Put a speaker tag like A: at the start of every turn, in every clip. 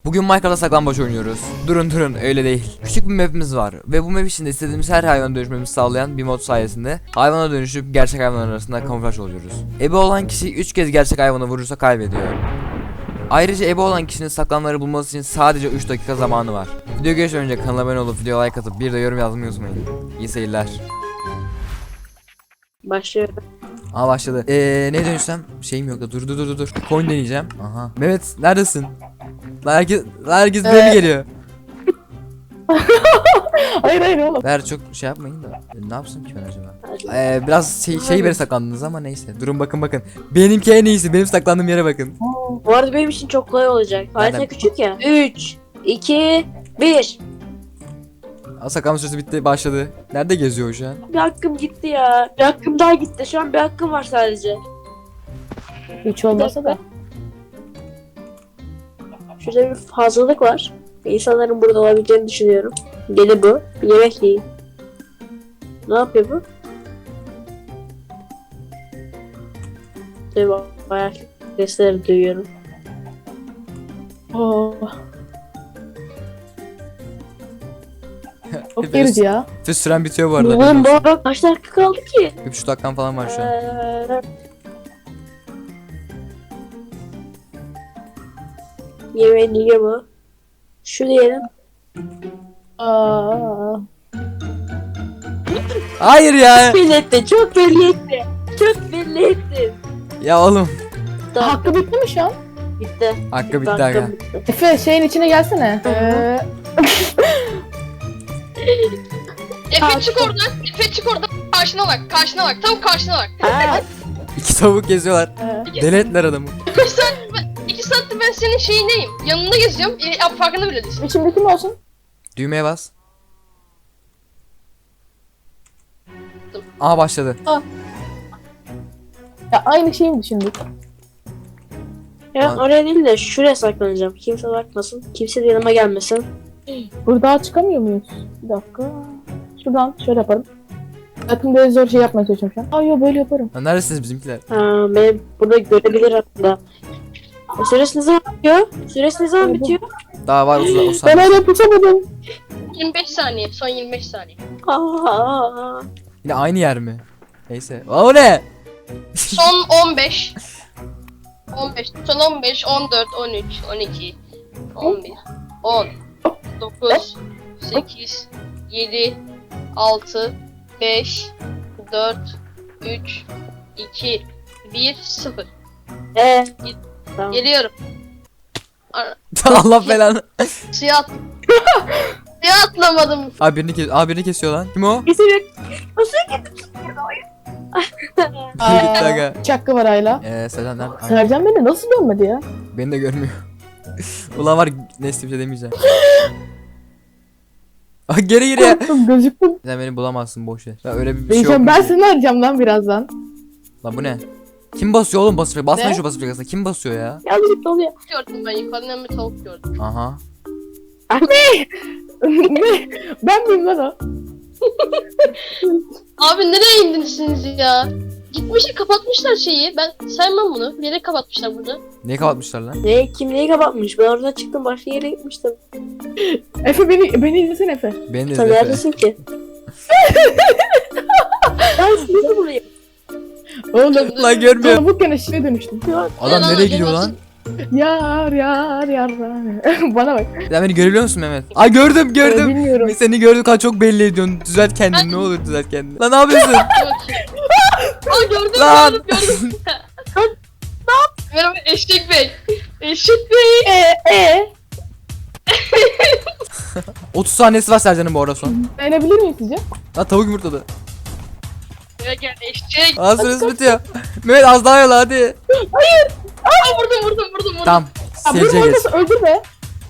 A: Bugün Minecraft'ta saklambaç oynuyoruz. Durun öyle değil. Küçük bir map'imiz var ve bu map içinde istediğimiz her hayvana dönüşmemizi sağlayan bir mod sayesinde hayvana dönüşüp gerçek hayvanlar arasında kamuflaj oluyoruz. Ebe olan kişi 3 kez gerçek hayvanı vurursa kaybediyor. Ayrıca ebe olan kişinin saklanmaları bulması için sadece 3 dakika zamanı var. Video geçmeden önce kanala abone olup videoya like atıp bir de yorum yazmayı unutmayın. İyi seyirler.
B: Başlıyorum.
A: Aa başladı. Ne dönüşsem? Şeyim yok da dur. Coin deneyeceğim. Aha. Mehmet neredesin? Herkes böyle geliyor.
C: Hayır oğlum.
A: Ver çok şey yapmayın da. Ne yapsın ki ben acaba? Biraz şey beri saklandınız ama neyse. Durun bakın. Benimki en iyisi. Benim saklandığım yere bakın.
B: Bu arada benim için çok kolay olacak. Harita
A: Nereden?
B: küçük ya. 3, 2, 1.
A: Saklanma süresi bitti. Başladı. Nerede geziyor o şu an?
B: Bir hakkım gitti ya. Bir hakkım daha gitti. Şu an bir hakkım var sadece.
C: Hiç olmasa da.
B: Şurada bir fazlalık var. İnsanların burada olabileceğini düşünüyorum. Deli bu. Bir yemek yiyin. Ne yapıyor bu? Tabii bayağı sesleri duyuyorum.
C: Oh. Çok
A: Hepiniz-
C: gerici ya.
A: Süren bitiyor bu arada.
B: Oğlum bu arada kaç dakika kaldı ki?
A: 3 dakikam falan var şu an.
B: Yemeğini yiyor mu? Şu diyelim.
C: Aa.
A: Hayır ya.
B: Belli etti. Çok belli etti. Çok belli etti.
A: Ya oğlum.
B: Tamam.
C: Hakkı bitti mi şu an?
B: Bitti.
A: Hakkı bitti
B: Hakkım
A: aga.
B: bitti.
C: Efe şeyin içine gelsene.
D: Efe çık oradan. Efe çık oradan. Karşına bak. Tam karşına bak.
B: Aa,
A: 2 tavuk geziyorlar. Deli ettiler adamı.
D: 2 saattir ben senin şeyineyim. Yanında geziyorum. Farkında bile değilsin.
C: İçimdeki mi olsun?
A: Düğmeye bas. Aha başladı.
C: Ya aynı şeyi mi düşündük?
B: ya oraya değil de şuraya saklanacağım. Kimse bakmasın. Kimse de yanıma gelmesin.
C: Burada çıkamıyor muyuz? Bir dakika. Şuradan şöyle yaparım. Zaten böyle zor şey yapmaya çalışıyorum şu an. Aa yok böyle yaparım.
A: Ha, neredesiniz bizimkiler?
B: Ha, beni burada görebilir hatta. Süresi ne zaman bitiyor? Süresi ne zaman bitiyor?
A: Daha var 30
C: Ben
A: saniye.
C: hala tutamadım.
D: 25 saniye. Son 25 saniye.
B: Aa,
A: Yine aynı yer mi? Neyse. Aa, o ne?
D: Son 15. 15. Son 15. 14. 13. 12. 11. 10. 9. 8. 7. 6. 5. 4. 3. 2. 1. 0.
B: tamam.
D: Geliyorum.
A: Allah belanı.
D: Suya at. Suya atlamadım.
A: Birini kesiyor lan. Kim o?
B: Kesin
A: Gitti aga.
C: Üç hakkı var hala.
A: Sercan nerede? Ay,
C: Sercan beni nasıl görmedi ya?
A: beni de görmüyor. Ulan var neyse bir şey demeyeceğim. Aa, geri ya.
C: Korktum gözüktüm.
A: Sen beni bulamazsın boş ver. Ya öyle bir şey
C: Diyeceğim
A: yok.
C: ben seni arayacağım lan birazdan.
A: Lan bu ne? Kim basıyor oğlum basıyor? Basmayın
C: Ne?
A: şu basıyor aslında. Kim basıyor ya?
B: yanlışlıkla oluyor.
D: Gördüm ben yukarıdan bir tavuk gördüm.
A: Aha.
C: Ne? Ben miyim lan o?
D: Abi nereye indiniz ya? Gitmişler kapatmışlar şeyi. Ben saymam bunu. Bir yere kapatmışlar burada.
A: Niye kapatmışlar lan?
B: Kim neyi kapatmış? Ben oradan çıktım başka yere gitmiştim.
C: Efe beni izlesene Efe.
A: Beni de
B: Sen
A: izle.
B: neredesin ki? Ben sizi buraya.
C: Oğlum.
A: Lan görmüyor.
C: Tavuk gene şeye dönüştüm.
A: Adam
D: Lan,
A: nereye gidiyor
D: lan,
A: lan?
C: Yar. Bana bak.
A: Sen beni görebiliyor musun Mehmet? Ay gördüm.
C: Bilmiyorum.
A: Seni gördüm kadar çok belli ediyorsun. Düzelt kendini ne olur düzelt kendini. Lan ne yapıyorsun?
D: Aa gördüm
A: Lan.
D: gördüm. Merhaba Eşek Bey. Eşek Bey.
A: 30 saniyesi var Sercan'ın bu arada son.
C: Beğenebilir miyim sizce?
A: Lan tavuk yumurtladı.
D: Gel eşek.
A: Aa süresi bitiyor. Mehmet az daha yola hadi.
D: Aa vurdum.
A: Tamam.
C: Ya bunu
A: Seyirciye geç.
C: olmasa öldür be.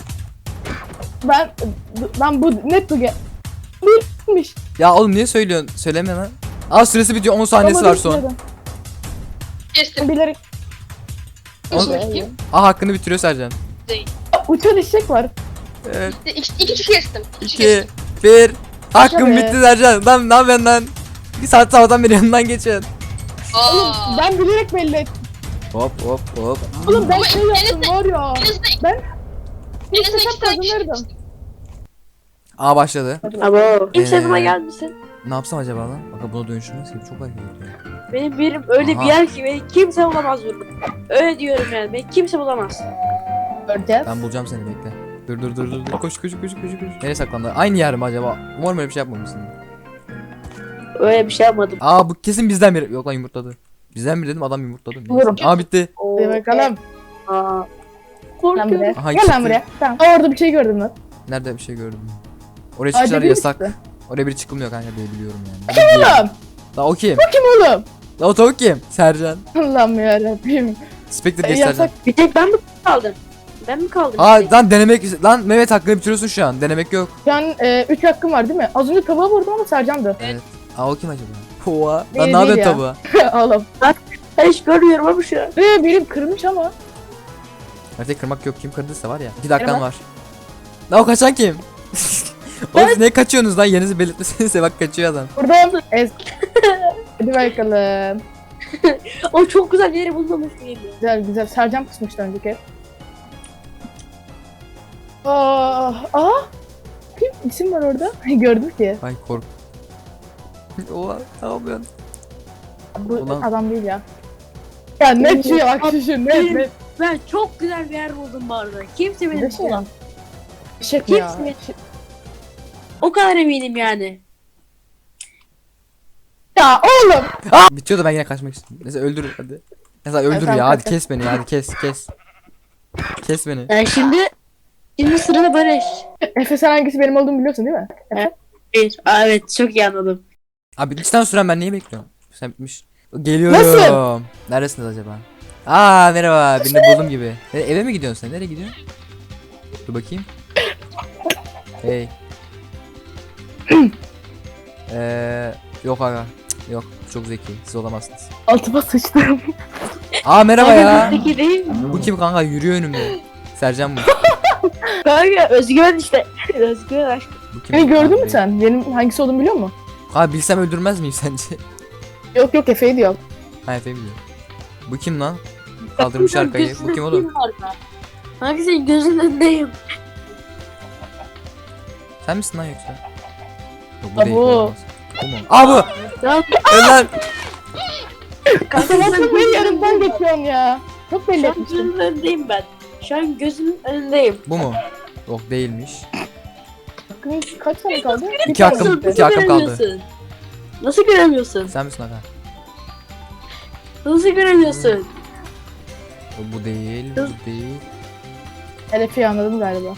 C: Ben bu net bu Değilmiş.
A: Ya oğlum niye söylüyorsun? Söyleme lan. Aa süresi bitiyor 10 saniyesi var son.
D: Kestim.
C: Bilerek.
D: Bakayım.
A: Aa hakkını bitiriyor Sercan.
C: Uçan eşek var.
A: Evet.
D: İki kişi kestim.
A: 2 1 Hakkım
C: Şaka be.
A: bitti Sercan. Lan ne yapıyorsun lan? Bir saat sabahtan beri yanından geçiyorsun.
C: Oğlum
D: Aa.
C: ben bilerek belli ettim.
A: Hop.
C: Oğlum ben
D: Ama
C: şey yaptım
D: elinizde-
C: var ya.
D: Elinizde
C: Ben
D: Enes'e
C: İstesem
D: iki tane kişi
C: kazanırdım.
A: Aa başladı.
B: Abo. Kimse yanıma
A: Ee,
B: gelmesin.
A: Ne yapsam acaba lan? Bak buna dönüşmez ki. Çok hareket ediyor.
B: Benim birim öyle
A: Aha.
B: bir yer ki beni kimse bulamaz burada. Öyle diyorum yani. Beni kimse bulamaz.
C: Göreceğiz.
A: Ben bulacağım seni bekle. Dur. Koş. Nereye saklandı? Aynı yer mi acaba? Umarım öyle bir şey yapmamışsın.
B: Öyle bir şey yapmadım.
A: Aa bu kesin bizden biri. Yok lan yumurtladı. Bizden biri dedim adam yumurtladı. Neyse.
C: Bulurum.
A: Aa bitti.
C: Hadi bakalım.
B: Aa.
C: Lan
B: Korkuyorum.
C: buraya.
A: Aha,
C: Gel
A: çıktı.
C: lan buraya. Tamam. Aa, orada bir şey gördüm lan.
A: Nerede bir şey gördüm. Oraya
C: Aa,
A: çıkışlar
C: biri
A: yasak.
C: çıktı.
A: Oraya biri çıkılmıyor kanka diye biliyorum yani.
C: Oğlum.
A: La o kim?
C: Kim oğlum?
A: La o tavuk kim? Sercan.
C: Allah'ım yarabbim.
A: Spectre geç Sercan.
C: Yasak.
B: Bir tek ben mi kaldım? Ben mi kaldım?
A: Aa
B: bir tek?
A: lan denemek lan Mehmet hakkını bitiriyorsun şu an. Denemek yok.
C: Şu an 3 hakkım var değil mi? Az önce tavuğa vurdum ama Sercan'dı.
A: Evet. Aa o kim acaba? Oha. Lan
C: Değil,
A: ne yapıyorsun
C: değil ya.
A: tavuğa?
C: Oğlum.
B: Ben hiç görmüyorum ama şu an.
C: Benim kırmış ama.
A: Haritayı kırmak yok. Kim kırdıysa var ya. 2 dakikan
C: Merhaba.
A: var. Lan o kaçan kim? Oğlum siz ne kaçıyorsunuz lan? Yerinizi belirtmesenize bak kaçıyor adam.
C: Buradan Hadi bakalım.
B: O çok güzel yeri bulmamış mıydı?
C: Güzel. Sercan pusmuştu önceki. Aa. Kim? İsim var orada. Gördüm ki.
A: Ay kork. Oha ne yapıyorsun?
C: Bu
A: Ulan.
C: adam değil ya. Ya ne şey bak şu ne.
B: Ben çok güzel bir yer buldum bu arada. Kimse beni
C: Ne şey
B: bulamaz.
C: lan? Eşek mi ya?
B: Kimse O kadar eminim yani.
C: Ya oğlum.
A: Bitiyor da ben yine kaçmak istiyorum. Neyse öldür hadi. Neyse öldür
C: tamam,
A: ya hadi
C: kaç.
A: kes beni ya hadi kes. Kes beni.
B: Yani şimdi sırada Barış.
C: Efe sen hangisi benim olduğumu biliyorsun değil mi?
B: Evet, evet çok iyi anladım.
A: Abi içten süren ben neyi bekliyorum? Sen bitmiş. Geliyorum.
C: Nasıl?
A: Neredesiniz acaba? Aa merhaba birini buldum gibi. Eve mi gidiyorsun sen? Nereye gidiyorsun? Dur bakayım. Hey. Yok aga. Cık, yok çok zeki. Siz olamazsınız.
C: Altıma sıçtım.
A: Aa merhaba ya.
B: Peki değil mi?
A: Bu kim kanka yürüyor önümde. Sercan bu.
B: Kanka özgüven işte. Özgüven aşk.
A: Bu kim?
C: Beni gördün mü
A: Abi.
C: sen? Benim hangisi olduğumu biliyor musun?
A: Abi bilsem öldürmez miyim sence?
C: Yok Efe'yi diyor.
A: Ha Efe'yi biliyorum. Bu kim lan? Kaldırmış arkayı. Bu kim oğlum?
B: Kanka senin gözünün önündeyim.
A: Sen misin lan yoksa? Yok bu değil.
C: Bu.
A: olamaz. Bu mu? Aa bu!
B: Ya
A: Öl
C: Kanka nasıl benim yanımdan geçiyorsun ya? Çok belli
B: şu an
C: etmiştim.
B: gözünün önündeyim ben. Şu an gözünün önündeyim.
A: Bu mu? Yok değilmiş.
C: Hakkın kaç tane kaldı? Bir
A: İki hakkım-
C: tane
B: Nasıl
C: gitti.
A: iki hakkım kaldı.
B: göremiyorsun? Nasıl göremiyorsun?
A: Sen misin aga?
B: Nasıl göremiyorsun?
A: Bu değil, bu değil.
C: Efe'yi anladım galiba.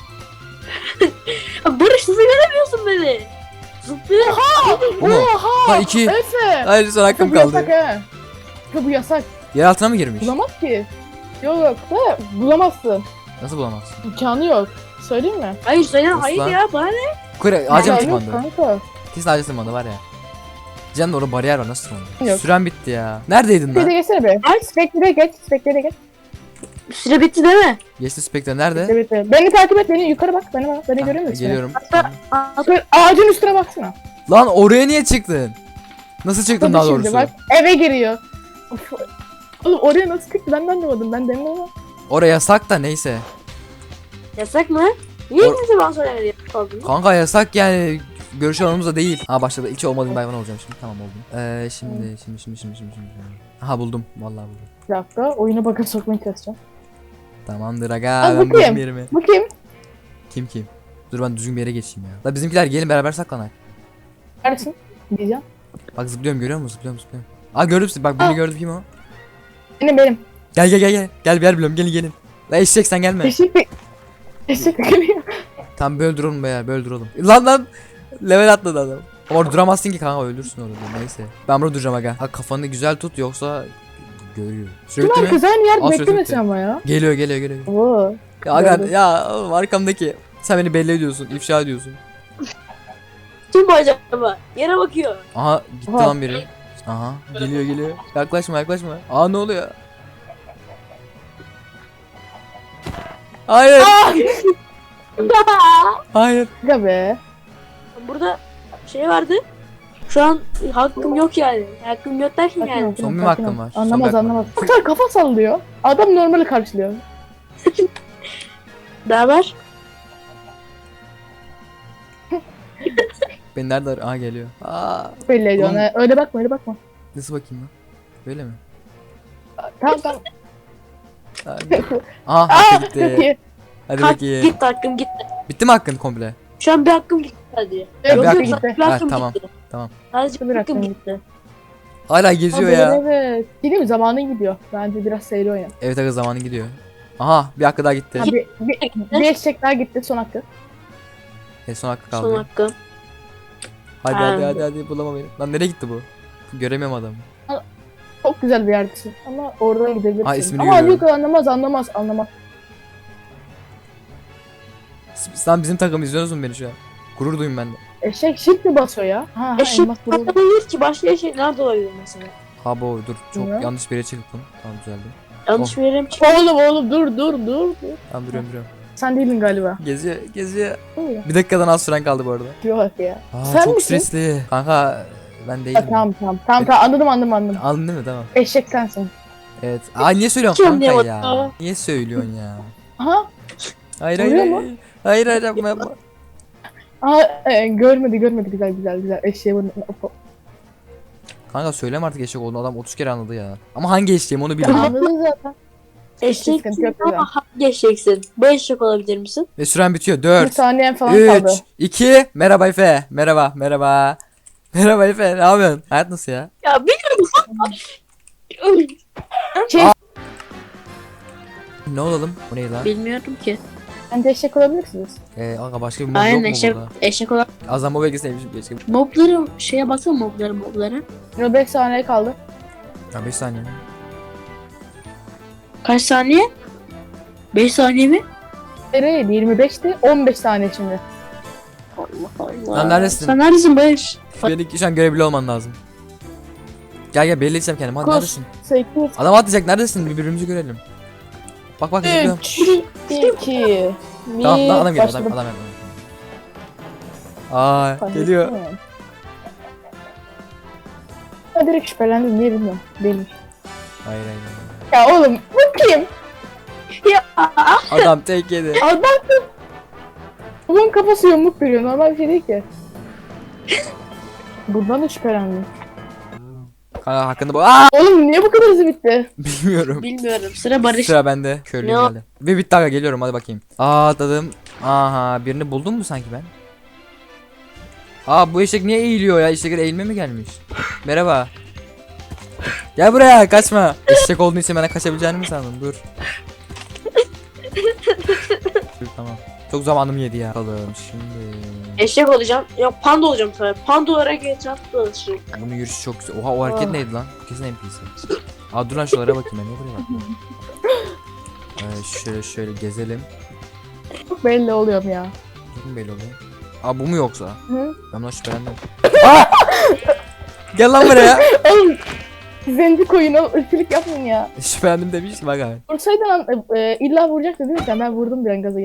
B: Ya Barış nasıl göremiyorsun beni? Zıplıyor.
A: Bu mu?
C: Oha!
A: Ha 2.
C: Efe!
A: Hayır son hakkım
C: Bu yasak
A: kaldı.
C: he. Efe bu yasak.
A: Yer altına mı girmiş?
C: Bulamaz ki. Yok da bulamazsın.
A: Nasıl bulamazsın?
C: İmkanı yok. Söyleyeyim mi?
B: Hayır söyle
A: Nasıl
B: hayır
A: lan?
B: ya bana ne?
A: Kure ağaca mı
C: İmkanı yok
A: tırmandı?
C: Kanka.
A: Kesin ağaca tırmandı var ya. Canım orada bariyer var nasıl tırmandı?
C: Yok.
A: Süren bitti ya. Neredeydin
C: Spectre'e
A: lan?
C: geçsene be. Spectre'e geç. Spectre'e geç.
B: Süre bitti değil mi?
A: Geçti Spectre nerede?
C: Evet. Beni takip et. Beni yukarı bak. Beni bak. Beni
A: Ha,
C: görüyor musun?
A: Geliyorum.
C: Şöyle ağacın üstüne baksana.
A: Lan oraya niye çıktın? Nasıl çıktın daha
C: Tabii şimdi
A: doğrusu?
C: bak. Eve giriyor. Of. Oğlum oraya nasıl çıktı ben de anlamadım. Ben de anlamadım.
A: Oraya yasak da neyse.
B: Yasak mı? Niye
A: Or-
B: kimse bana söylemedi kaldın?
A: Kanka yasak yani. Görüş alanımızda değil. Ha başladı. Hiç olmadığım bir hayvan olacağım şimdi. Tamam oldum. Şimdi. Aha buldum. Vallahi buldum.
C: Bir dakika. Oyuna bakıp sokmaya çalışacağım.
A: Tamamdır aga.
C: Aa,
A: Ben
C: bu
A: buldum
C: kim?
A: yerimi.
C: Bu kim?
A: Kim? Dur ben düzgün bir yere geçeyim ya. La bizimkiler gelin beraber saklanak.
C: Neredesin? Diyeceğim.
A: Bak zıplıyorum görüyor musun? Zıplıyorum. Aa gördüm sizi. Bak birini gördüm kim o?
C: Benim.
A: Gel. Gel bir yer biliyorum. Gelin. La eşek sen gelme.
C: Teşekkür ederim.
A: Tamam böyle duralım be ya. Böyle duralım. Lan. Level atladı adam. Ama orada duramazsın ki kanka ölürsün orada. Neyse. Ben burada duracağım aga. Ha kafanı güzel tut yoksa görüyor. Sürekli
C: Ulan
A: mi?
C: kız aynı yer
A: Al,
C: beklemesin
A: sürekli.
C: ama ya.
A: Geliyor.
C: Oo.
A: Ya aga
C: Gördüm.
A: ya oğlum arkamdaki. Sen beni belli ediyorsun. İfşa ediyorsun.
B: Kim bu acaba? Yere bakıyor.
A: Aha gitti
C: Aha.
A: lan biri. Aha geliyor. Yaklaşma. Aa ne oluyor? Hayır. Hayır.
C: Ya be.
B: Burada şey vardı. Şu an hakkım yok yani. Hakkım yok derken yani.
A: Son bir hakkım var. Son bir
C: Anlamaz
A: hakkım
C: anlamaz. Hatta kafa sallıyor. Adam normali karşılıyor.
B: Ne haber?
A: Ben nerede Aa geliyor. Aa.
C: Belli ediyorsun.
A: Oğlum-
C: Öyle bakma öyle bakma.
A: Nasıl bakayım lan? Böyle mi?
C: Tamam tamam.
A: Hadi. Aha
C: Aa
A: hakkı
C: çok
A: gitti.
C: iyi.
A: Hadi
B: Kalk,
A: bakayım.
B: gitti hakkım gitti.
A: Bitti mi hakkın komple?
B: Şu an bir hakkım gitti hadi.
C: Evet,
A: bir
C: bir
A: hakkım-
C: gitti.
B: Bir hakkım
A: Ha, tamam,
B: gitti.
A: tamam.
B: Sadece
C: Bir
B: bir hakkım
C: hakkım
B: gitti.
A: Hala geziyor
C: Abi,
A: ya.
C: Evet. Değil mi? Zamanın gidiyor. Bence biraz seyri oyna.
A: Evet aga zamanı gidiyor. Aha bir hakkı daha gitti.
C: Ha, bir eşek daha gitti son hakkı.
A: Son hakkı
B: Son
A: kaldı.
B: hakkım.
A: Hadi
B: Ha.
A: hadi bulama beni. Lan nereye gitti bu? Göremiyorum adamı.
C: Çok güzel bir yerdesin. Ama oradan gidebilirsin.
A: Ha, ismini
C: Ama
A: görüyorum.
C: yok anlamaz.
A: Sen bizim takım izliyorsunuz mu beni şu an? Gurur duyun bende.
C: Eşek shift mi basıyor ya? Ha,
B: Eşek
C: elmas burada.
B: Hayır ki başka eşek nerede olabilir mesela?
A: Ha bu dur çok
C: Bilmiyorum.
A: yanlış bir yere çıktım. Tamam düzeldi.
B: Yanlış
A: Oh.
B: bir yere mi çıktı?
C: Oğlum dur.
A: Tamam duruyorum.
C: Sen değildin galiba.
A: Geziyor.
C: Öyle.
A: Bir dakikadan az süren kaldı bu arada.
C: Yok ya.
A: Aa,
C: Sen
A: çok
C: misin?
A: stresli. Kanka ben değilim.
C: Ha, tamam anladım.
A: Aldın değil mi? Tamam.
C: Eşek sensin.
A: Evet. Aa niye söylüyorsun
B: Kim
A: kanka
B: diyor
A: ya?
B: bana?
A: Niye söylüyorsun ya?
C: Aha.
A: Hayır
C: Oluyor
A: hayır.
C: mu?
A: Hayır yapma.
C: Aha görmedi güzel. Eşeğe vurma.
A: Kanka söyleme artık eşek olduğunu adam 30 kere anladı ya. Ama hangi eşeğim onu bilmiyorum.
C: Anladın zaten.
B: Eşek
C: Sıkıntı yok
B: ama
C: ya.
B: hangi eşeksin? Bu eşek olabilir misin?
A: Ve süren bitiyor.
C: Bir
A: 4,
C: saniyen falan
A: 3,
C: kaldı.
A: 2. Merhaba Efe. Merhaba. Merhaba Efe. Ne yapıyorsun? Hayat nasıl ya?
B: Ya bilmiyorum.
A: Ne olalım? Bu ne lan?
B: Bilmiyorum ki.
C: Bence eşek olabilirsiniz.
A: Kanka başka bir mod
B: Aynen
A: yok mu
B: eşek,
A: burada?
B: eşek olan.
A: Azam bu belgeseymişim keşke.
B: Mobları şeye baksana mobları.
C: Yine 5 saniye kaldı.
A: Ya 5 saniye.
B: Kaç saniye? 5 saniye mi?
C: Nereye? 25'ti. 15 saniye şimdi.
B: Allah Allah.
A: Lan neredesin?
B: Sen neredesin Barış?
A: Beni şu an görebiliyor olman lazım. Gel belli edeceğim kendimi. Hadi
B: Kos.
A: neredesin?
C: 8,
A: Adam atlayacak. Neredesin? Birbirimizi görelim. Bak zıplıyorum.
C: 3, 2, 1.
A: Tamam lan adam geliyor. Adam geliyor. Aa geliyor.
C: Ha, direkt şüphelendim. Niye bilmiyorum. Değilmiş.
A: Hayır.
C: Ya oğlum bu kim?
A: Adam tek yedi.
C: Adam bunun kafası yamuk duruyor. Normal bir şey değil ki. Buradan da şüphelendim.
A: Kanka hakkında bu. Aa!
C: Oğlum niye bu kadar hızlı bitti?
A: Bilmiyorum.
B: Bilmiyorum. Sıra Barış.
A: Sıra bende. Körlüğüm
B: Ne o?
A: geldi. Ve bitti aga geliyorum hadi bakayım. Aa atladım. Aha birini buldum mu sanki ben? Aa bu eşek niye eğiliyor ya? Eşekler eğilme mi gelmiş? Merhaba. Gel buraya kaçma. Eşek olduğun için bana kaçabileceğini mi sandın? Dur. Dur tamam. Çok zamanım yedi ya. Bakalım şimdi.
B: Eşek olacağım. Yok panda olacağım sonra. Panda olarak etrafta dolaşırım.
A: Bunun yürüyüşü çok güzel. Oha o hareket
C: Ah.
A: neydi lan? Kesin NPC. Aa dur lan şuralara bakayım ben. Niye buraya bakıyorum? Şöyle gezelim.
C: Çok belli oluyorum ya.
A: Çok mu belli oluyor? Aa bu mu yoksa?
C: Hı?
A: Ben buna şüphelendim. Aa! Gel lan buraya.
C: Oğlum zenci koyun o ırkçılık yapmayın ya.
A: Şüphelendim demiş ki bak abi.
C: Vursaydın illa vuracaktı değil mi sen? Ben vurdum bir an gaza.